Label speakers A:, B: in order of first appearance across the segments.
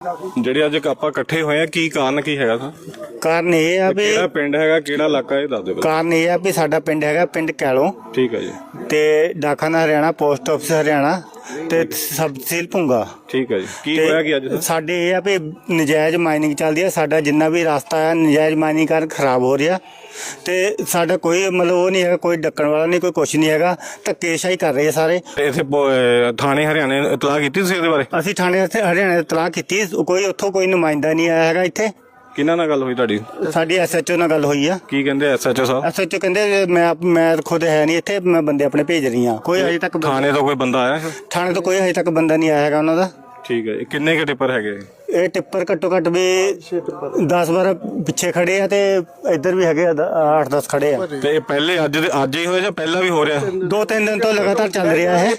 A: ਜਿਹੜੇ ਅੱਜ ਆਪਾਂ ਇਕੱਠੇ ਹੋਏ ਆ ਕੀ ਕਾਰਨ ਕੀ ਹੈਗਾ ਸਰ?
B: ਕਾਰਨ ਇਹ ਆ ਵੀ
A: ਕਿਹੜਾ ਪਿੰਡ ਹੈਗਾ, ਕਿਹੜਾ ਇਲਾਕਾ, ਇਹ ਦੱਸ ਦਿਓ।
B: ਕਾਰਨ ਇਹ ਆ ਵੀ ਸਾਡਾ ਪਿੰਡ ਹੈਗਾ ਪਿੰਡ ਕੈਲੋਂ
A: ਠੀਕ ਹੈ ਜੀ।
B: ਤੇ ਡਾਕਖਾਨਾ ਹਰਿਆਣਾ, ਪੋਸਟ ਆਫਿਸ ਹਰਿਆਣਾ ਤੇ ਸਬ ਤਹਿਸੀਲ ਭੁੰਗਾ।
A: ਠੀਕ ਹੈ ਜੀ। ਕੀ ਹੋਇਆ ਕੀ ਅੱਜ ਸਰ?
B: ਸਾਡੇ ਇਹ ਆ ਵੀ ਨਜਾਇਜ਼ ਮਾਈਨਿੰਗ ਚੱਲਦੀ ਆ। ਸਾਡਾ ਜਿੰਨਾ ਵੀ ਰਸਤਾ ਆ ਨਜਾਇਜ਼ ਮਾਈਨਿੰਗ ਕਾਰਨ ਖਰਾਬ ਹੋ ਰਿਹਾ ਤੇ ਸਾਡਾ ਕੋਈ ਮਤਲਬ ਉਹ ਨਹੀਂ ਹੈਗਾ, ਕੋਈ ਡੱਕਣ ਵਾਲਾ ਨਹੀਂ, ਕੋਈ ਕੁਛ ਨਹੀਂ ਹੈਗਾ। ਧੱਕੇਸ਼ਾਹੀ ਕਰ ਰਹੇ ਸਾਰੇ।
A: ਇੱਥੇ ਥਾਣੇ ਹਰਿਆਣੇ ਇਤਲਾਹ ਕੀਤੀ ਤੁਸੀਂ ਇਹਦੇ ਬਾਰੇ?
B: ਅਸੀਂ ਥਾਣੇ ਹਰਿਆਣੇ ਇਤਲਾਹ ਕੀਤੀ, ਕੋਈ ਉੱਥੋਂ ਕੋਈ ਨੁਮਾਇੰਦਾ ਨਹੀਂ ਆਇਆ ਹੈਗਾ ਇੱਥੇ।
A: ਕਿਹਨਾਂ ਨਾਲ ਗੱਲ ਹੋਈ ਤੁਹਾਡੀ?
B: ਸਾਡੀ ਐਸਐਚਓ ਨਾਲ ਗੱਲ ਹੋਈ ਆ।
A: ਕੀ ਕਹਿੰਦੇ ਐਸਐਚਓ ਸਾਹਿਬ?
B: ਐਸਐਚਓ ਕਹਿੰਦੇ ਮੈਂ ਖੁਦ ਹੈ ਨਹੀਂ ਇੱਥੇ, ਮੈਂ ਬੰਦੇ ਆਪਣੇ ਭੇਜ ਰਹੀ ਹਾਂ। ਕੋਈ ਅਜੇ ਤੱਕ
A: ਥਾਣੇ ਤੋਂ ਕੋਈ ਬੰਦਾ ਆਇਆ?
B: ਥਾਣੇ ਤੋਂ ਕੋਈ ਅਜੇ ਤੱਕ ਬੰਦਾ ਨਹੀਂ ਆਇਆ ਹੈਗਾ ਉਹਨਾਂ ਦਾ।
A: ਠੀਕ ਹੈ। ਕਿੰਨੇ ਕੁ ਟਿੱਪਰ ਹੈਗੇ?
B: ਇਹ ਟਿੱਪਰ ਘੱਟੋ ਘੱਟ ਵੀ 10-12 ਪਿੱਛੇ ਖੜੇ ਆ ਤੇ ਇੱਧਰ ਵੀ ਹੈਗੇ 8-10 ਖੜੇ ਆ।
A: ਤੇ ਇਹ ਪਹਿਲੇ ਅੱਜ ਹੀ ਹੋਇਆ ਜਾਂ ਪਹਿਲਾਂ ਵੀ ਹੋ ਰਿਹਾ?
B: 2-3 ਦਿਨ ਤੋਂ ਲਗਾਤਾਰ ਚੱਲ ਰਿਹਾ ਹੈ।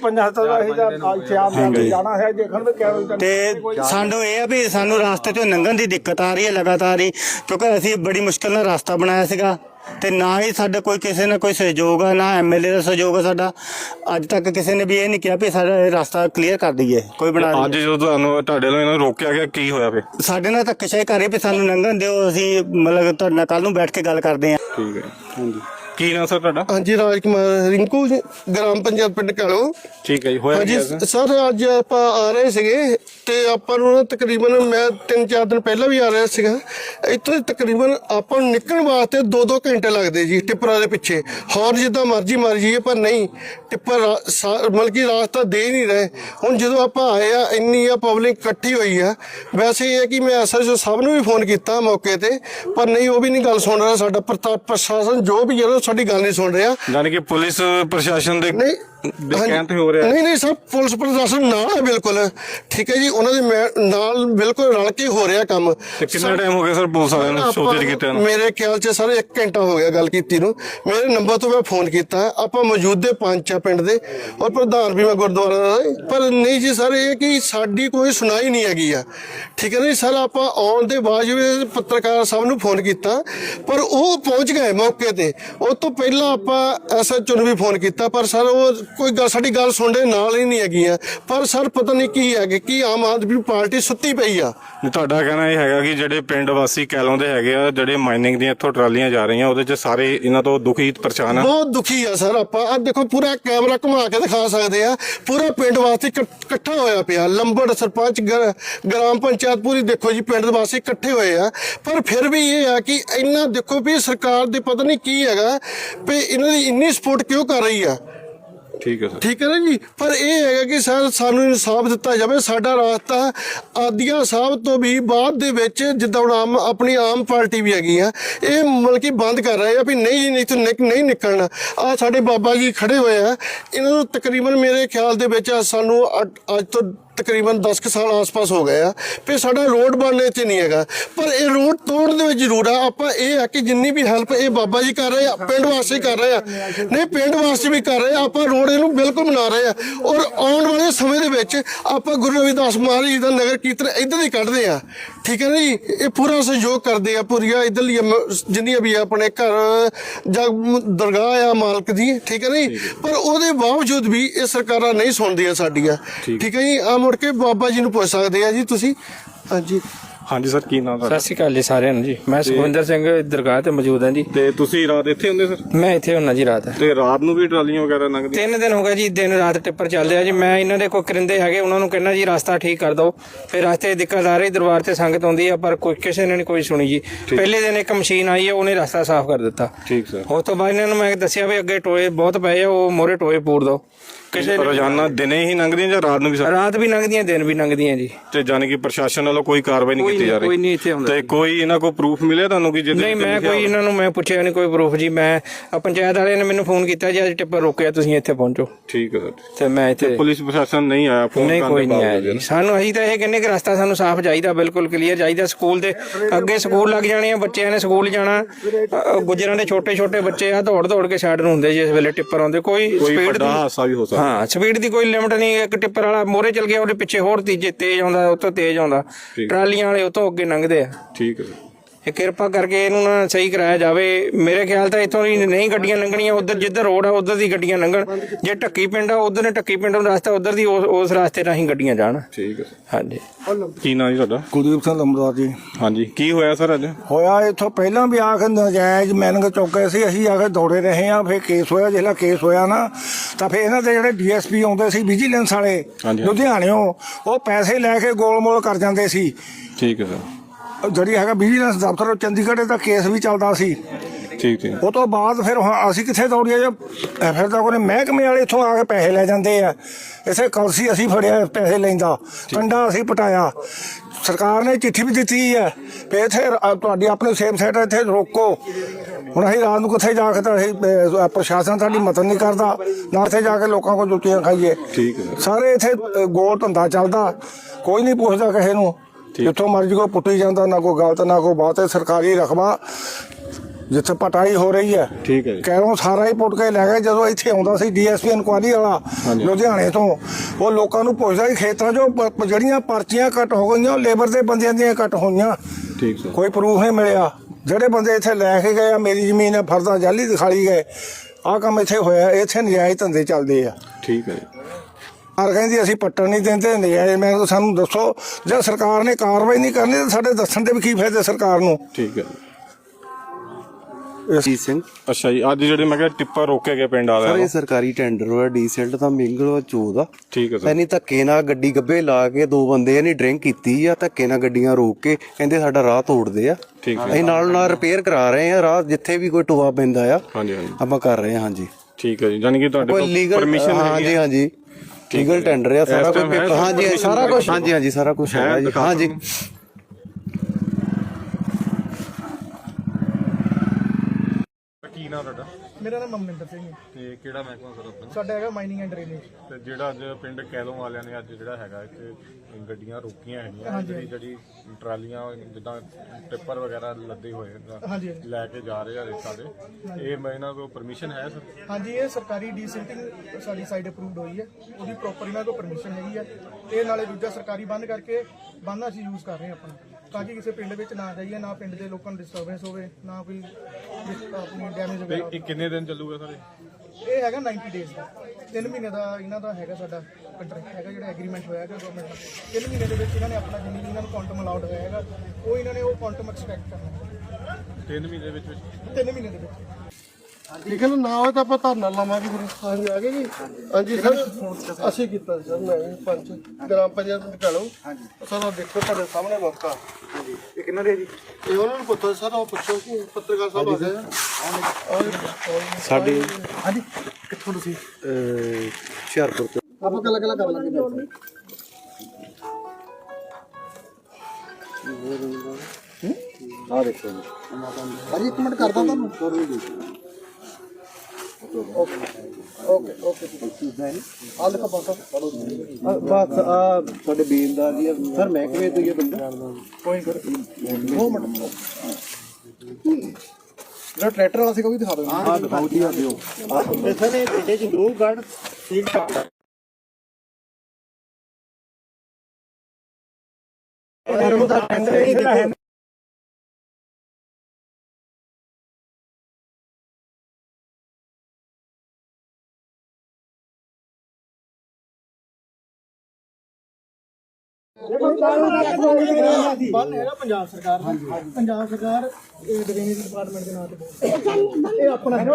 B: ਤੇ ਸਾਨੂੰ ਇਹ ਆ ਵੀ ਸਾਨੂੰ ਰਾਸਤੇ ਤੋਂ ਲੰਘਣ ਦੀ ਦਿੱਕਤ ਆ ਰਹੀ ਹੈ ਲਗਾਤਾਰ ਹੀ, ਕਿਉਂਕਿ ਅਸੀਂ ਬੜੀ ਮੁਸ਼ਕਿਲ ਨਾਲ ਰਸਤਾ ਬਣਾਇਆ ਸੀਗਾ ਤੇ ਨਾ ਹੀ ਸਾਡਾ ਕੋਈ ਕਿਸੇ ਨਾਲ ਕੋਈ ਸਹਿਯੋਗ ਆ, ਨਾ ਐਮਐਲਏ ਦਾ ਸਹਿਯੋਗ ਆ ਸਾਡਾ। ਅੱਜ ਤੱਕ ਕਿਸੇ ਨੇ ਵੀ ਇਹ ਨਹੀਂ ਕਿਹਾ ਵੀ ਸਾਡਾ ਇਹ ਰਸਤਾ ਕਲੀਅਰ ਕਰ ਦਈਏ, ਕੋਈ ਬਣਾ।
A: ਅੱਜ ਜਦੋਂ ਤੁਹਾਨੂੰ ਤੁਹਾਡੇ ਵੱਲੋਂ ਇਹਨਾਂ ਨੂੰ ਰੋਕਿਆ ਗਿਆ ਕੀ ਹੋਇਆ ਫਿਰ?
B: ਸਾਡੇ ਨਾਲ ਧੱਕੇਸ਼ਾਹੀ ਕਰ ਰਹੇ ਵੀ ਸਾਨੂੰ ਲੰਘਣ ਦਿਓ, ਅਸੀਂ ਮਤਲਬ ਤੁਹਾਡੇ ਨਾਲ ਕੱਲ ਨੂੰ ਬੈਠ ਕੇ ਗੱਲ ਕਰਦੇ ਹਾਂ।
A: ਠੀਕ ਹੈ। ਹਾਂਜੀ। ਕੀ ਨਾਮ ਸਰ ਤੁਹਾਡਾ?
C: ਹਾਂਜੀ, ਰਾਜ ਕੁਮਾਰ ਰਿੰਕੂ, ਗ੍ਰਾਮ ਪੰਚਾਇਤ ਪਿੰਡ ਕਾਲੋ।
A: ਠੀਕ ਹੈ ਜੀ। ਹੋਇਆ
C: ਹਾਂਜੀ ਸਰ, ਅੱਜ ਆਪਾਂ ਆ ਰਹੇ ਸੀਗੇ ਤੇ ਆਪਾਂ ਨੂੰ ਨਾ ਤਕਰੀਬਨ ਮੈਂ 3-4 ਦਿਨ ਪਹਿਲਾਂ ਵੀ ਆ ਰਿਹਾ ਸੀਗਾ। ਇੱਥੋਂ ਤਕਰੀਬਨ ਆਪਾਂ ਨੂੰ ਨਿਕਲਣ ਵਾਸਤੇ 2-2 ਘੰਟੇ ਲੱਗਦੇ ਜੀ ਟਿੱਪਰਾਂ ਦੇ ਪਿੱਛੇ। ਹੋਰ ਜਿੱਦਾਂ ਮਰਜ਼ੀ ਮਾਰ ਜਾਈਏ ਪਰ ਨਹੀਂ, ਟਿੱਪਰ ਮਤਲਬ ਕਿ ਰਾਸਤਾ ਦੇ ਨਹੀਂ ਰਹੇ। ਹੁਣ ਜਦੋਂ ਆਪਾਂ ਆਏ ਆ, ਇੰਨੀ ਆ ਪਬਲਿਕ ਇਕੱਠੀ ਹੋਈ ਆ। ਵੈਸੇ ਇਹ ਹੈ ਕਿ ਮੈਂ ਐਸਐਚਓ ਸਭ ਨੂੰ ਵੀ ਫੋਨ ਕੀਤਾ ਮੌਕੇ ਤੇ, ਪਰ ਨਹੀਂ, ਉਹ ਵੀ ਨਹੀਂ ਗੱਲ ਸੁਣ ਰਿਹਾ। ਸਾਡਾ ਪ੍ਰਸ਼ਾਸਨ ਜੋ ਵੀ ਹੈ ਸਾਡੀ ਗੱਲ ਨਹੀਂ ਸੁਣ ਰਿਹਾ।
A: ਯਾਨੀ ਕਿ ਪੁਲਿਸ ਪ੍ਰਸ਼ਾਸਨ ਦੇ ਕਹਿਣ ਤੇ ਹੋ ਰਿਹਾ?
C: ਨਹੀਂ ਸਰ, ਪੁਲਿਸ ਪ੍ਰਸ਼ਾਸਨ ਨਾਲ ਹੈ ਬਿਲਕੁਲ। ਠੀਕ ਹੈ ਜੀ, ਉਹਨਾਂ ਦੇ ਨਾਲ ਬਿਲਕੁਲ ਰਲ ਕੇ ਹੋ ਰਿਹਾ ਕੰਮ।
A: ਤੇ ਕਿੰਨਾ ਟਾਈਮ ਹੋ ਗਿਆ ਸਰ ਪੁਲਿਸ ਵਾਲਿਆਂ ਨੂੰ ਸੂਚਿਤ ਕੀਤੇ?
C: ਮੇਰੇ ਖਿਆਲ 'ਚ ਸਰ 1 ਘੰਟਾ ਹੋ ਗਿਆ ਗੱਲ ਕੀਤੀ ਨੂੰ। ਮੇਰੇ ਨੰਬਰ ਤੋਂ ਮੈਂ ਫੋਨ ਕੀਤਾ। ਆਪਾਂ ਮੌਜੂਦੇ ਪੰਚ ਆ ਪਿੰਡ ਦੇ ਔਰ ਪ੍ਰਧਾਨ ਵੀ ਮੈਂ ਗੁਰਦੁਆਰਾ ਦਾ, ਪਰ ਨਹੀਂ ਜੀ ਸਰ, ਇਹ ਕਿ ਸਾਡੀ ਕੋਈ ਸੁਣਾਈ ਨਹੀਂ ਹੈਗੀ ਆ। ਠੀਕ ਹੈ ਨਾ ਜੀ ਸਰ, ਆਪਾਂ ਆਉਣ ਦੇ ਬਾਅਦ ਵੀ ਪੱਤਰਕਾਰ ਸਾਹਿਬ ਨੂੰ ਫੋਨ ਕੀਤਾ ਪਰ ਉਹ ਪਹੁੰਚ ਗਏ ਮੌਕੇ ਤੇ। ਉਹ ਤੋਂ ਪਹਿਲਾਂ ਆਪਾਂ ਐਸਐਚਓ ਨੂੰ ਵੀ ਫੋਨ ਕੀਤਾ ਪਰ ਸਰ ਉਹ ਕੋਈ ਗੱਲ ਸਾਡੀ ਗੱਲ ਸੁਣਦੇ ਨਾਲ ਹੀ ਨਹੀਂ ਹੈਗੀਆਂ। ਪਰ ਸਰ ਪਤਾ ਨਹੀਂ ਕੀ ਹੈ ਕਿ ਆਮ ਆਦਮੀ ਪਾਰਟੀ ਸੁੱਤੀ ਪਈ ਆ।
A: ਤੁਹਾਡਾ ਕਹਿਣਾ ਇਹ ਹੈਗਾ ਕਿ ਜਿਹੜੇ ਪਿੰਡ ਵਾਸੀ ਕੈਲੋਂ ਦੇ ਹੈਗੇ ਆ, ਜਿਹੜੇ ਮਾਈਨਿੰਗ ਦੀਆਂ ਇੱਥੋਂ ਟਰਾਲੀਆਂ ਜਾ ਰਹੀਆਂ, ਉਹਦੇ 'ਚ ਸਾਰੇ ਇਹਨਾਂ ਤੋਂ ਦੁਖੀ ਪਰੇਸ਼ਾਨ ਆ?
C: ਬਹੁਤ ਦੁਖੀ ਆ ਸਰ। ਆਪਾਂ ਆਹ ਦੇਖੋ, ਪੂਰਾ ਕੈਮਰਾ ਘੁਮਾ ਕੇ ਦਿਖਾ ਸਕਦੇ ਆ। ਪੂਰਾ ਪਿੰਡ ਵਾਸਤੇ ਇਕੱਠਾ ਹੋਇਆ ਪਿਆ, ਲੰਬੜ ਸਰਪੰਚ, ਗ੍ਰਾਮ ਪੰਚਾਇਤ ਪੂਰੀ ਦੇਖੋ ਜੀ, ਪਿੰਡ ਦੇ ਵਾਸੀ ਇਕੱਠੇ ਹੋਏ ਆ। ਪਰ ਫਿਰ ਵੀ ਇਹ ਆ ਕਿ ਇੰਨਾ ਦੇਖੋ ਵੀ ਸਰਕਾਰ ਦੇ ਪਤਾ ਨਹੀਂ ਕੀ ਹੈਗਾ ਵੀ ਇਹਨਾਂ ਦੀ ਇੰਨੀ ਸਪੋਰਟ ਕਿਉਂ ਕਰ ਰਹੀ ਆ।
A: ਠੀਕ ਹੈ ਸਰ।
C: ਠੀਕ ਹੈ ਨਾ ਜੀ, ਪਰ ਇਹ ਹੈਗਾ ਕਿ ਸਰ ਸਾਨੂੰ ਇਨਸਾਫ ਦਿੱਤਾ ਜਾਵੇ। ਸਾਡਾ ਰਾਸਤਾ ਆਦੀਆਂ ਸਾਹਿਬ ਤੋਂ ਵੀ ਬਾਅਦ ਦੇ ਵਿੱਚ ਜਿੱਦਾਂ ਹੁਣ ਆਪਣੀ ਆਮ ਪਾਰਟੀ ਵੀ ਹੈਗੀ ਆ, ਇਹ ਮਤਲਬ ਕਿ ਬੰਦ ਕਰ ਰਹੇ ਆ ਵੀ ਨਹੀਂ ਇੱਥੋਂ ਨਹੀਂ ਨਿਕਲਣਾ। ਆ ਸਾਡੇ ਬਾਬਾ ਜੀ ਖੜੇ ਹੋਏ ਆ, ਇਹਨਾਂ ਨੂੰ ਤਕਰੀਬਨ ਮੇਰੇ ਖਿਆਲ ਦੇ ਵਿੱਚ ਸਾਨੂੰ ਅੱਜ ਤੋਂ ਤਕਰੀਬਨ 10 ਕੁ ਸਾਲ ਆਸ-ਪਾਸ ਹੋ ਗਏ ਆ ਵੀ ਸਾਡਾ ਰੋਡ ਬਣਨੇ 'ਚ ਨਹੀਂ ਹੈਗਾ। ਪਰ ਇਹ ਰੋਡ ਤੋੜਨ ਦੇ ਵਿੱਚ ਜ਼ਰੂਰ ਆ। ਆਪਾਂ ਇਹ ਆ ਕਿ ਜਿੰਨੀ ਵੀ ਹੈਲਪ ਇਹ ਬਾਬਾ ਜੀ ਕਰ ਰਹੇ ਆ, ਪਿੰਡ ਵਾਸਤੇ ਕਰ ਰਹੇ ਆ, ਨਹੀਂ ਪਿੰਡ ਵਾਸਤੇ ਵੀ ਕਰ ਰਹੇ ਆ। ਆਪਾਂ ਰੋਡ ਇਹਨੂੰ ਬਿਲਕੁਲ ਬਣਾ ਰਹੇ ਆ ਔਰ ਆਉਣ ਵਾਲੇ ਸਮੇਂ ਦੇ ਵਿੱਚ ਆਪਾਂ ਗੁਰੂ ਰਵਿਦਾਸ ਮਹਾਰਾਜ ਜੀ ਦਾ ਨਗਰ ਕੀਰਤਨ ਇੱਧਰ ਹੀ ਕੱਢਦੇ ਆ। ਠੀਕ ਹੈ ਨਾ ਜੀ, ਇਹ ਪੂਰਾ ਸਹਿਯੋਗ ਕਰਦੇ ਆ। ਪੂਰੀਆਂ ਇੱਧਰਲੀ ਜਿੰਨੀਆਂ ਵੀ ਆਪਣੇ ਘਰ ਜਾਂ ਦਰਗਾਹ ਆ ਮਾਲਕ ਦੀ, ਠੀਕ ਹੈ ਨਾ ਜੀ, ਪਰ ਉਹਦੇ ਬਾਵਜੂਦ ਵੀ ਇਹ ਸਰਕਾਰਾਂ ਨਹੀਂ ਸੁਣਦੀਆਂ ਸਾਡੀਆਂ। ਠੀਕ ਹੈ ਜੀ, ਮੁੜ ਕੇ ਬਾਬਾ ਜੀ ਨੂੰ ਪੁੱਛ ਸਕਦੇ ਆ ਜੀ ਤੁਸੀਂ। ਹਾਂਜੀ
A: ਹਾਂਜੀ ਸਰ, ਕੀ ਨਾਮ ਤੁਹਾਡਾ?
D: ਸਤਿ ਸ਼੍ਰੀ ਅਕਾਲ ਜੀ ਸਾਰਿਆਂ ਨੂੰ ਜੀ। ਮੈਂ ਸੁਖਵਿੰਦਰ ਸਿੰਘ ਦਰਗਾਹ ਤੇ ਮੌਜੂਦ ਹਾਂ ਜੀ।
A: ਤੇ ਤੁਸੀਂ ਰਾਤ ਇੱਥੇ ਹੁੰਦੇ ਸਰ?
D: ਮੈਂ ਇੱਥੇ ਹੁੰਨਾ ਜੀ ਰਾਤ।
A: ਤੇ ਰਾਤ ਨੂੰ ਵੀ ਟਰਾਲੀਆਂ ਵਗੈਰਾ ਲੰਘਦੀਆਂ?
D: 3 ਦਿਨ ਹੋ ਗਏ ਜੀ, ਦਿਨ ਰਾਤ ਟਿੱਪਰ ਚੱਲਦੇ ਆ ਜੀ। ਮੈਂ ਇਹਨਾਂ ਦੇ ਕੋਈ ਕਰਿੰਦੇ ਹੈਗੇ, ਉਹਨਾਂ ਨੂੰ ਕਹਿੰਦਾ ਜੀ ਰਸਤਾ ਠੀਕ ਕਰ ਦਿਓ। ਫਿਰ ਰਸਤੇ ਦਿੱਕਤ ਆ ਰਹੀ, ਦਰਬਾਰ ਤੇ ਸੰਗਤ ਆਉਂਦੀ ਆ ਪਰ ਕਿਸੇ ਨੇ ਨਹੀਂ ਕੋਈ ਸੁਣੀ ਜੀ। ਪਹਿਲੇ ਦਿਨ ਇੱਕ ਮਸ਼ੀਨ ਆਈ ਹੈ, ਉਹਨੇ ਰਸਤਾ ਸਾਫ਼ ਕਰ ਦਿੱਤਾ।
A: ਠੀਕ ਸਰ।
D: ਉਸ ਤੋਂ ਬਾਅਦ ਇਹਨਾਂ ਨੂੰ ਮੈਂ ਦੱਸਿਆ ਵੀ ਅੱਗੇ ਟੋਏ ਬਹੁਤ ਪਏ ਆ, ਉਹ ਮੋਰੇ ਟੋਏ ਪੂਰ ਦਿਓ।
A: ਕਿਸੇ ਰੋਜ਼ਾਨਾ ਦਿਨੇ ਹੀ ਲੰਘਦੀਆਂ ਜਾਂ ਰਾਤ ਨੂੰ ਵੀ?
D: ਰਾਤ ਵੀ ਲੰਘਦੀਆਂ, ਦਿਨ ਵੀ ਲੰਘਦੀਆਂ ਜੀ।
A: ਤੇ ਜਾਨੀ ਕਿ ਪ੍ਰਸ਼ਾਸਨ ਵੱਲੋਂ ਕੋਈ ਕਾਰਵਾਈ ਨਹੀਂ ਕੀਤੀ ਜਾ ਰਹੀ?
D: ਕੋਈ ਨਹੀਂ ਇੱਥੇ ਆਉਂਦਾ।
A: ਤੇ ਕੋਈ ਇਹਨਾਂ ਕੋਲ ਪ੍ਰੂਫ ਮਿਲਿਆ ਤੁਹਾਨੂੰ ਕਿ
D: ਨਹੀਂ, ਮੈਂ ਕੋਈ ਇਹਨਾਂ ਨੂੰ ਮੈਂ ਪੁੱਛਿਆ ਨਹੀਂ ਕੋਈ ਪ੍ਰੂਫ ਜੀ। ਮੈਂ ਪੰਚਾਇਤ ਵਾਲਿਆਂ ਨੇ ਮੈਨੂੰ ਫੋਨ ਕੀਤਾ ਜੀ ਅੱਜ ਟਿੱਪਰ ਰੋਕਿਆ, ਤੁਸੀਂ ਇੱਥੇ ਪਹੁੰਚੋ।
A: ਠੀਕ ਹੈ ਸਰ।
D: ਤੇ ਮੈਂ ਇੱਥੇ
A: ਪੁਲਿਸ ਪ੍ਰਸ਼ਾਸਨ ਨਹੀਂ ਆਇਆ? ਫੋਨ
D: ਨਹੀਂ, ਕੋਈ ਨਹੀਂ ਆਇਆ ਜੀ। ਸਾਨੂੰ ਅਸੀਂ ਤਾਂ ਇਹ ਕਹਿੰਦੇ ਕਿ ਰਸਤਾ ਸਾਨੂੰ ਸਾਫ਼ ਚਾਹੀਦਾ, ਬਿਲਕੁਲ ਕਲੀਅਰ ਚਾਹੀਦਾ। ਸਕੂਲ ਦੇ ਅੱਗੇ ਸਕੂਲ ਲੱਗ ਜਾਣੇ ਆ, ਬੱਚਿਆਂ ਨੇ ਸਕੂਲ ਜਾਣਾ। ਗੁੱਜਰਾਂ ਦੇ ਛੋਟੇ ਬੱਚੇ ਆ, ਦੌੜ ਕੇ ਸਾਈਡ ਨੂੰ ਹੁੰਦੇ ਜਿਸ ਵੇਲੇ ਟਿੱਪਰ ਆਉਂਦੇ। ਕੋਈ ਸਪੀਡ ਦੀ
A: ਹਾਦਸਾ ਵੀ ਹੋ ਸਕਦਾ।
D: ਹਾਂ, ਸਪੀਡ ਦੀ ਕੋਈ ਲਿਮਟ ਨਹੀਂ। ਇੱਕ ਟਿੱਪਰ ਵਾਲਾ ਮੋਰੇ ਚਲ ਗਿਆ, ਉਹਦੇ ਪਿੱਛੇ ਹੋਰ ਤੀਜੇ ਤੇਜ਼ ਆਉਂਦਾ, ਉਹ ਤੋਂ ਤੇਜ਼ ਆਉਂਦਾ। ਟਰਾਲੀਆਂ ਵਾਲੇ ਉਹ ਤੋਂ ਅੱਗੇ ਲੰਘਦੇ ਆ।
A: ਠੀਕ ਹੈ।
D: ਇਹ ਕਿਰਪਾ ਕਰਕੇ ਇਹਨੂੰ ਨਾ ਸਹੀ ਕਰਾਇਆ ਜਾਵੇ। ਮੇਰੇ ਖਿਆਲ ਤਾਂ ਇੱਥੋਂ ਦੀ ਨਹੀਂ ਗੱਡੀਆਂ ਲੰਘਣੀਆਂ, ਉਧਰ ਜਿੱਧਰ ਰੋਡ ਆ ਉਧਰ ਦੀ ਗੱਡੀਆਂ ਲੰਘਣ। ਜੇ ਢੱਕੀ ਪਿੰਡ ਆ ਉਧਰ ਨੇ ਢੱਕੀ ਪਿੰਡ ਨੂੰ ਰਸਤਾ ਉਧਰ ਦੀ ਉਸ ਰਸਤੇ ਰਾਹੀਂ ਗੱਡੀਆਂ ਜਾਣ।
A: ਠੀਕ ਹੈ।
D: ਹਾਂਜੀ।
A: ਕੀ ਨਾਂ ਜੀ ਤੁਹਾਡਾ?
E: ਕੁਲਦੀਪ ਸਿੰਘ ਲੰਬੜਦਾਰ ਜੀ।
A: ਹਾਂਜੀ, ਕੀ ਹੋਇਆ ਸਰ ਅੱਜ?
E: ਹੋਇਆ ਇੱਥੋਂ ਪਹਿਲਾਂ ਵੀ ਆ ਕੇ ਨਜਾਇਜ਼ ਮੈਨਿੰਗ ਚੁੱਕੇ ਸੀ, ਅਸੀਂ ਆ ਕੇ ਦੌੜੇ ਰਹੇ ਹਾਂ। ਫਿਰ ਕੇਸ ਹੋਇਆ, ਜਿਹੜਾ ਕੇਸ ਹੋਇਆ ਨਾ ਤਾਂ ਫਿਰ ਇਹਨਾਂ ਦੇ ਜਿਹੜੇ DSP ਆਉਂਦੇ ਸੀ ਵਿਜੀਲੈਂਸ ਵਾਲੇ ਲੁਧਿਆਣਿਓਂ, ਉਹ ਪੈਸੇ ਲੈ ਕੇ ਗੋਲਮੋਲ ਕਰ ਜਾਂਦੇ ਸੀ।
A: ਠੀਕ ਹੈ ਸਰ।
E: ਜਿਹੜੀ ਹੈਗਾ ਵਿਜੀਲੈਂਸ ਦਫ਼ਤਰ ਚੰਡੀਗੜ੍ਹ ਦਾ ਕੇਸ ਵੀ ਚੱਲਦਾ ਸੀ।
A: ਠੀਕ।
E: ਉਹ ਤੋਂ ਬਾਅਦ ਫਿਰ ਅਸੀਂ ਕਿੱਥੇ ਦੌੜੀਏ, ਫਿਰ ਤਾਂ ਉਹਨੇ ਮਹਿਕਮੇ ਵਾਲੇ ਇੱਥੋਂ ਆ ਕੇ ਪੈਸੇ ਲੈ ਜਾਂਦੇ ਆ। ਇਸੇ ਕਲਸੀ ਅਸੀਂ ਫੜਿਆ ਪੈਸੇ ਲੈਂਦਾ, ਕੰਡਾ ਅਸੀਂ ਪਟਾਇਆ। ਸਰਕਾਰ ਨੇ ਚਿੱਠੀ ਵੀ ਦਿੱਤੀ ਹੈ ਵੀ ਇੱਥੇ ਤੁਹਾਡੀ ਆਪਣੀ ਸੇਫ ਸਾਈਡ ਇੱਥੇ ਰੋਕੋ। ਹੁਣ ਅਸੀਂ ਰਾਤ ਨੂੰ ਕਿੱਥੇ ਜਾ ਕੇ ਤਾਂ ਅਸੀਂ ਪ੍ਰਸ਼ਾਸਨ ਸਾਡੀ ਮਦਦ ਨਹੀਂ ਕਰਦਾ, ਨਾ ਇੱਥੇ ਜਾ ਕੇ ਲੋਕਾਂ ਕੋਲ ਜੁੱਤੀਆਂ ਖਾਈਏ।
A: ਠੀਕ ਹੈ।
E: ਸਾਰੇ ਇੱਥੇ ਗੋਲ ਧੰਦਾ ਚੱਲਦਾ, ਕੋਈ ਨਹੀਂ ਪੁੱਛਦਾ ਕਿਸੇ ਨੂੰ, ਜਿੱਥੋਂ ਮਰਜ਼ੀ ਕੋਈ ਪੁੱਟੀ ਜਾਂਦਾ, ਨਾ ਕੋਈ ਗਲਤ ਨਾ ਕੋਈ ਬਾਤ ਹੈ। ਸਰਕਾਰੀ ਰਕਬਾ ਜਿੱਥੇ ਪਟਾਈ ਹੋ ਰਹੀ ਹੈ,
A: ਠੀਕ ਹੈ ਜੀ।
E: ਕਹਿਰੋਂ ਸਾਰਾ ਹੀ ਪੁੱਟ ਕੇ ਲੈ ਗਏ। ਜਦੋਂ ਇੱਥੇ ਆਉਂਦਾ ਸੀ DSP ਇਨਕੁਆਰੀ ਵਾਲਾ ਲੁਧਿਆਣੇ ਤੋਂ, ਉਹ ਲੋਕਾਂ ਨੂੰ ਪੁੱਛਦਾ ਸੀ ਖੇਤਾਂ 'ਚੋਂ ਜਿਹੜੀਆਂ ਪਰਚੀਆਂ ਕੱਟ ਹੋ ਗਈਆਂ ਉਹ ਲੇਬਰ ਦੇ ਬੰਦਿਆਂ ਦੀਆਂ ਕੱਟ ਹੋਈਆਂ।
A: ਠੀਕ ਸਰ।
E: ਕੋਈ ਪ੍ਰੂਫ ਨਹੀਂ ਮਿਲਿਆ। ਜਿਹੜੇ ਬੰਦੇ ਇੱਥੇ ਲੈ ਕੇ ਗਏ ਆ, ਮੇਰੀ ਜ਼ਮੀਨ ਹੈ ਫਰਦਾ ਜਾਲੀ ਦਿਖਾਲੀ ਗਏ, ਆਹ ਕੰਮ ਇੱਥੇ ਹੋਇਆ। ਇੱਥੇ ਨਜਾਇਜ਼ ਧੰਦੇ ਚੱਲਦੇ ਆ।
A: ਠੀਕ ਹੈ ਜੀ।
E: ਸਰਕਾਰ ਕਹਿੰਦੀ ਅਸੀਂ ਪੱਟਣ ਨਹੀਂ ਦਿੰਦੇ ਨਜਾਇਜ਼। ਮੈਂ ਤਾਂ ਸਾਨੂੰ ਦੱਸੋ, ਜੇ ਸਰਕਾਰ ਨੇ ਕਾਰਵਾਈ ਨਹੀਂ ਕਰਨੀ ਤਾਂ ਸਾਡੇ ਦੱਸਣ ਦੇ ਵੀ ਕੀ ਫਾਇਦੇ ਸਰਕਾਰ ਨੂੰ।
A: ਠੀਕ ਹੈ।
F: ਜੀਤ ਸਿੰਘ।
A: ਅੱਛਾ ਜੀ, ਅੱਜ ਜਿਹੜੇ ਮੈਂ ਕਿਹਾ ਟਿੱਪਰ ਰੋਕੇ ਗਏ ਪਿੰਡ
F: ਸਰ
A: ਵਾਲਿਆਂ
F: ਇਹ
A: ਨੂੰ।
F: ਸਰਕਾਰੀ ਟੈਂਡਰ ਹੋਇਆ, ਡੀਸੈਲਟ ਦਾ ਮਿੰਗਲ ਚੋਦ ਆ।
A: ਠੀਕ ਹੈ ਸਰ।
F: ਐਨੀ ਧੱਕੇ ਨਾਲ ਗੱਡੀ ਗੱਬੇ ਲਾ ਕੇ ਦੋ ਬੰਦੇ ਨੇ ਡਰਿੰਕ ਕੀਤੀ ਆ, ਧੱਕੇ ਨਾਲ ਗੱਡੀਆਂ ਰੋਕ ਕੇ ਕਹਿੰਦੇ ਸਾਡਾ ਰਾਹ ਤੋੜਦੇ ਆ।
A: ਠੀਕ ਹੈ।
F: ਅਸੀਂ ਨਾਲ ਨਾਲ ਰਿਪੇਅਰ ਕਰਾ ਰਹੇ ਆ, ਰਾਹ ਜਿੱਥੇ ਵੀ ਕੋਈ ਟੋਆ ਪੈਂਦਾ ਆ
A: ਹਾਂਜੀ ਹਾਂਜੀ।
F: ਆਪਾਂ ਕਰ ਰਹੇ ਆ। ਹਾਂਜੀ
A: ਠੀਕ ਹੈ ਜੀ, ਯਾਨੀ ਕਿ ਤੁਹਾਡੇ
F: ਕੋਈ
A: ਕੋਲ
F: ਲੀਗਲ
A: ਪਰਮਿਸ਼ਨ
F: ਹਾਂਜੀ ਹਾਂਜੀ ਲੀਗਲ ਟੈਂਡਰ ਆ ਸਾਰਾ ਕੁਝ। ਹਾਂਜੀ ਸਾਰਾ ਕੁਝ। ਹਾਂਜੀ ਹਾਂਜੀ ਸਾਰਾ ਕੁਝ ਹੈ ਜੀ। ਹਾਂਜੀ।
A: ਕੀ ਨਾਮ ਤੁਹਾਡਾ?
G: ਮੇਰਾ ਨਾਮ ਮਮਨਿੰਦਰ ਸਿੰਘ ਹੈ
A: ਤੇ ਕਿਹੜਾ ਮਹਿਕਮਾ ਸਰ ਆਪਣਾ?
G: ਸਾਡਾ ਹੈਗਾ ਮਾਈਨਿੰਗ ਐਂਡ ਡਰੇਨੇਜ।
A: ਤੇ ਜਿਹੜਾ ਅੱਜ ਪਿੰਡ ਕੈਲੋਂ ਵਾਲਿਆਂ ਨੇ ਅੱਜ ਜਿਹੜਾ ਹੈਗਾ ਇੱਥੇ ਗੱਡੀਆਂ ਰੋਕੀਆਂ ਹੈਗੀਆਂ, ਜਿਹੜੀ ਟਰਾਲੀਆਂ ਜਿੱਦਾਂ ਟਿੱਪਰ ਵਗੈਰਾ ਲੱਦੇ ਹੋਏ ਲੈ ਕੇ ਜਾ ਰਹੇ ਆ ਰੇਤਾ ਦੇ, ਇਹ ਇਹਨਾਂ ਕੋਲ ਪਰਮਿਸ਼ਨ ਹੈ ਸਰ?
G: ਹਾਂਜੀ, ਇਹ ਸਰਕਾਰੀ ਡੀਸਿਲਟਿੰਗ ਸਾਡੀ ਸਾਈਡ ਅਪਰੂਵਡ ਹੋਈ ਹੈ, ਉਹਦੀ ਪ੍ਰੋਪਰ ਇਹਨਾਂ ਕੋਲ ਪਰਮਿਸ਼ਨ ਹੈਗੀ ਹੈ। ਤੇ ਨਾਲੇ ਦੂਜਾ ਸਰਕਾਰੀ ਬੰਦ ਕਰਕੇ ਬੰਦ ਅਸੀਂ ਯੂਜ਼ ਕਰ ਰਹੇ ਹਾਂ ਆਪਣਾ, ਤਾਂ ਕਿ ਕਿਸੇ ਪਿੰਡ ਵਿੱਚ ਨਾ ਜਾਈਏ, ਨਾ ਪਿੰਡ ਦੇ ਲੋਕਾਂ ਨੂੰ ਡਿਸਟਰਬੈਂਸ ਹੋਵੇ, ਨਾ ਕੋਈ ਆਪਣੀ ਡੈਮੇਜ ਵਗੈਰਾ।
A: ਇਹ ਕਿੰਨੇ ਦਿਨ ਚੱਲੂਗਾ ਸਰ?
G: ਇਹ ਹੈਗਾ 90 ਡੇਜ਼ ਦਾ, 3 ਮਹੀਨੇ ਦਾ ਇਹਨਾਂ ਦਾ ਹੈਗਾ ਸਾਡਾ ਕੰਟਰੈਕਟ ਹੈਗਾ, ਜਿਹੜਾ ਐਗਰੀਮੈਂਟ ਹੋਇਆ ਹੈਗਾ ਗਵਰਨਮੈਂਟ ਨਾਲ। 3 ਮਹੀਨੇ ਦੇ ਵਿੱਚ ਇਹਨਾਂ ਨੇ ਆਪਣਾ ਜਿੰਨੀ ਇਹਨਾਂ ਨੂੰ ਕੁਆਂਟਮ ਅਲਾਉਡ ਹੋਇਆ ਹੈਗਾ, ਉਹ ਇਹਨਾਂ ਨੇ ਉਹ ਕੁਆਂਟਮ ਐਕਸਪੈਕਟ ਕਰਨਾ
A: 3 ਮਹੀਨੇ ਵਿੱਚ?
G: 3 ਮਹੀਨੇ ਦੇ ਵਿੱਚ।
C: ਠੀਕ ਹੈ ਨਾ, ਨਾ ਹੋਵੇ ਤਾਂ ਆਪਾਂ ਧਰਨਾ ਲਾਵਾਂਗੇ ਫਿਰ। ਹਾਂਜੀ ਆ ਗਏ ਜੀ। ਹਾਂਜੀ ਸਰ, ਅਸੀਂ ਕੀਤਾ ਸਰ, ਮੈਂ ਪੰਚ ਗ੍ਰਾਮ ਪੰਚਾਇਤ ਕਹ ਲਓ। ਹਾਂਜੀ ਸਰ, ਦੇਖੋ ਤੁਹਾਡੇ ਸਾਹਮਣੇ ਮੌਕਾ। ਹਾਂਜੀ, ਇਹ ਕਿੰਨਾ ਦੇ ਜੀ? ਇਹ ਉਹਨਾਂ ਨੂੰ ਪੁੱਛੋ ਸਰ, ਉਹ ਪੁੱਛੋ ਕਿ ਪੱਤਰਕਾਰ ਸਾਹਿਬ ਆ ਗਏ ਆ
F: ਸਾਡੇ।
C: ਹਾਂਜੀ, ਕਿੱਥੋਂ ਤੁਸੀਂ?
F: ਹੁਸ਼ਿਆਰਪੁਰ ਤੋਂ।
C: ਆਪਾਂ ਕੱਲਾ ਕੱਲਾ ਕਰ ਲਾਂਗੇ।
F: ਆ ਦੇਖੋ ਜੀ।
C: ਅਰੇ ਇੱਕ ਮਿੰਟ ਕਰਦਾ ਤੁਹਾਨੂੰ। ਓਕੇ ਓਕੇ ਆ ਦੇਖੋ
F: ਬਸ ਆ ਤੁਹਾਡੇ ਬੇਨਦਾਰ ਜੀ ਸਰ, ਮਹਿਕਮੇ ਤੋਂ ਇਹ ਬੰਦਾ
C: ਕੋਈ ਸਰ 2 ਮਿੰਟ। ਜਿਹੜਾ ਟਰੈਕਟਰ ਵਾਲਾ ਸੀ ਉਹ ਵੀ ਦਿਖਾ ਦਿਓ।
F: ਆ ਦਿਖਾਓ ਜੀ, ਆ ਦਿਓ।
C: ਸਰ ਇਹ ਬੇਟੇ ਚ ਦੋ ਗਾਰਡ ਸੀਟ ਟੱਪ
G: ਬੰਨ ਹੈਗਾ ਪੰਜਾਬ ਸਰਕਾਰ ਦਾ। ਪੰਜਾਬ ਸਰਕਾਰ ਇਹ ਡਰੇਨੇਜ ਡਿਪਾਰਟਮੈਂਟ ਦੇ ਨਾਂ ਤੇ ਬੋਲਦੀ। ਇਹ ਆਪਣਾ ਹੈਗਾ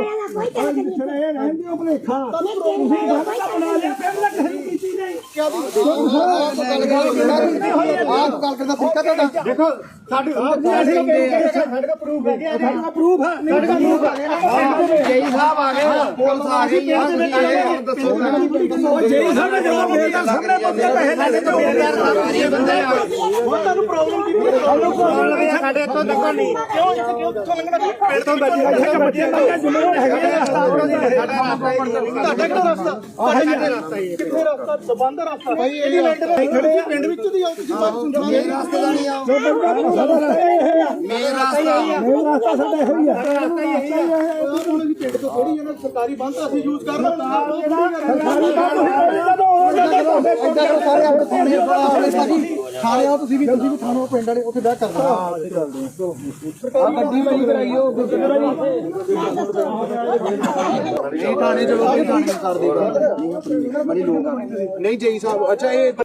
G: ਦੇਖੋ ਸਾਡੇ ਪ੍ਰੂਫ ਹੈ, ਪ੍ਰੂਫ ਹੈ। ਜੇਈ ਸਾਹਿਬ ਆ ਗਏ, ਪੁਲਿਸ ਆ ਗਈ। ਜੇਈ ਸਾਹਿਬ ਨੇ ਜਵਾਬ ਦੇ ਦਿੱਤਾ, ਸਾਹਮਣੇ ਬੰਦੇ ਪੈਸੇ ਲੈ ਕੇ ਬੰਦੇ ਆ। ਹੁਣ ਤੁਹਾਨੂੰ ਪ੍ਰੋਬਲਮ ਕੀ ਹੈ? ਸਾਡੇ ਤੋਂ ਤੱਕ ਨਹੀਂ ਕਿਉਂ ਕਿੱਥੋਂ ਲੰਘਣਾ? ਪਿੰਡ ਤੋਂ ਬੱਚੇ ਦਾ ਜ਼ਿੰਮੇਵਾਰ ਹੈਗੇ ਆ। ਤੁਹਾਡਾ ਕਿਹੜਾ ਰਸਤਾ? ਸਾਡੇ ਰਸਤਾ ਹੀ ਹੈ। ਕਿੱਥੇ ਰਸਤਾ? ਬੰਦ ਰਸਤਾ ਭਾਈ। ਇਹਦੀ ਲੈਂਟਰ ਖੜੇ ਆ ਪਿੰਡ ਵਿੱਚ ਦੀ ਆਓ ਤੁਸੀਂ। ਮੇਰੇ ਰਸਤੇ ਦਾ ਨਹੀਂ ਆਓ। ਮੇਰਾ ਰਸਤਾ ਸਾਡਾ ਇਹੋ ਹੀ ਆ। ਰਸਤਾ ਹੀ ਇਹੀ ਆ। ਉਹਨਾਂ ਦੀ ਪਿੰਡ ਤੋਂ ਥੋੜੀ ਇਹਨਾਂ ਸਰਕਾਰੀ ਬੰਦ ਅਸੀਂ ਯੂਜ਼ ਕਰ ਰਹੇ ਹਾਂ। ਸਰਕਾਰੀ ਬੰਦ ਹੋਇਆ। ਸਾਰੇ ਆਪਣੇ ਥਾਣੇ ਆਓ ਤੁਸੀਂ ਵੀ ਥਾਣੋਂ ਪਿੰਡ ਵਾਲੇ ਉੱਥੇ ਬਹਿ ਕਰਦੇ ਆ ਗੱਡੀ ਵਾਲੀ ਕਰਾਈਓ ਥਾਣੇ ਚਲੋ ਥਾਣੇ ਕਰ ਦੇ ਬੜੀ ਲੋਕ ਨਹੀਂ ਜਈ ਸਾਹਿਬ ਅੱਛਾ ਇਹ